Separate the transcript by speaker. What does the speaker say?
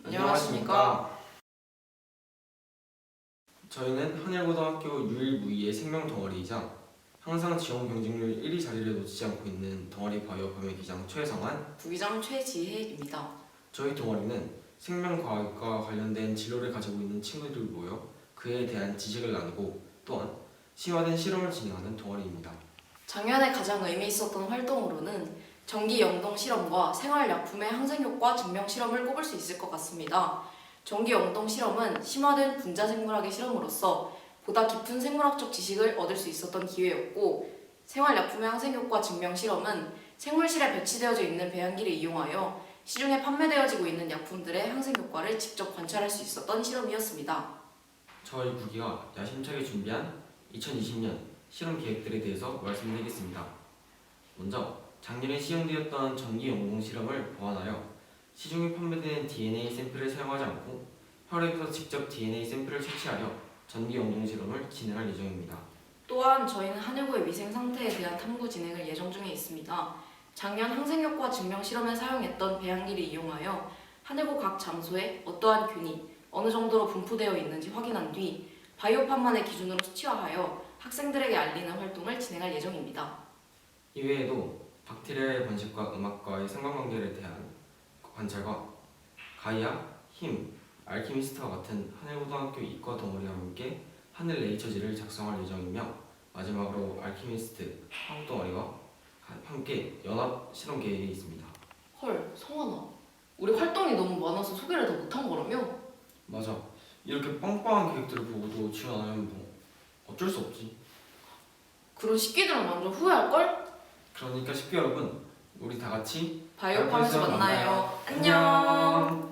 Speaker 1: 안녕하십니까. 저희는 한일고등학교 유일무이의 생명덩어리이자 항상 지원 경쟁률 1위 자리를 놓치지 않고 있는 동아리 바이오 범위기장 최성환,
Speaker 2: 부기장 최지혜입니다.
Speaker 1: 저희 동아리는 생명과학과 관련된 진로를 가지고 있는 친구들이 모여 그에 대한 지식을 나누고 또한 심화된 실험을 진행하는 동아리입니다.
Speaker 2: 작년에 가장 의미 있었던 활동으로는 전기 영동 실험과 생활약품의 항생효과 증명 실험을 꼽을 수 있을 것 같습니다. 전기 영동 실험은 심화된 분자 생물학의 실험으로서 보다 깊은 생물학적 지식을 얻을 수 있었던 기회였고, 생활약품의 항생효과 증명 실험은 생물실에 배치되어져 있는 배양기를 이용하여 시중에 판매되어지고 있는 약품들의 항생효과를 직접 관찰할 수 있었던 실험이었습니다.
Speaker 1: 저희 부기가 야심차게 준비한 2020년 실험 계획들에 대해서 말씀드리겠습니다. 먼저 작년에 시행되었던 전기 영동 실험을 보완하여 시중에 판매되는 DNA 샘플을 사용하지 않고 혈액에서 직접 DNA 샘플을 채취하여 전기 영동 실험을 진행할 예정입니다.
Speaker 2: 또한 저희는 한일고의 위생 상태에 대한 탐구 진행을 예정 중에 있습니다. 작년 항생효과 증명 실험에 사용했던 배양기를 이용하여 한일고 각 장소에 어떠한 균이 어느 정도로 분포되어 있는지 확인한 뒤 바이오판만의 기준으로 수치화하여 학생들에게 알리는 활동을 진행할 예정입니다.
Speaker 1: 이외에도 박테리아의 번식과 음악과의 상관관계를 대한 관찰과 가이아, 힘, 알키미스트와 같은 한일고등학교 이과 동아리와 함께 하늘 네이처지를 작성할 예정이며, 마지막으로 알키미스트 한국 동아리와 함께 연합 실험 계획이 있습니다.
Speaker 2: 헐, 성환아. 우리 활동이 너무 많아서 소개를 더 못한 거라며?
Speaker 1: 맞아. 이렇게 빵빵한 계획들을 보고도 지원 안 하면 뭐 어쩔 수 없지.
Speaker 2: 그런 식기들은 완전 후회할걸?
Speaker 1: 그러니까 10기 여러분, 우리 다 같이
Speaker 2: 바이오팜에서 만나요. 안녕.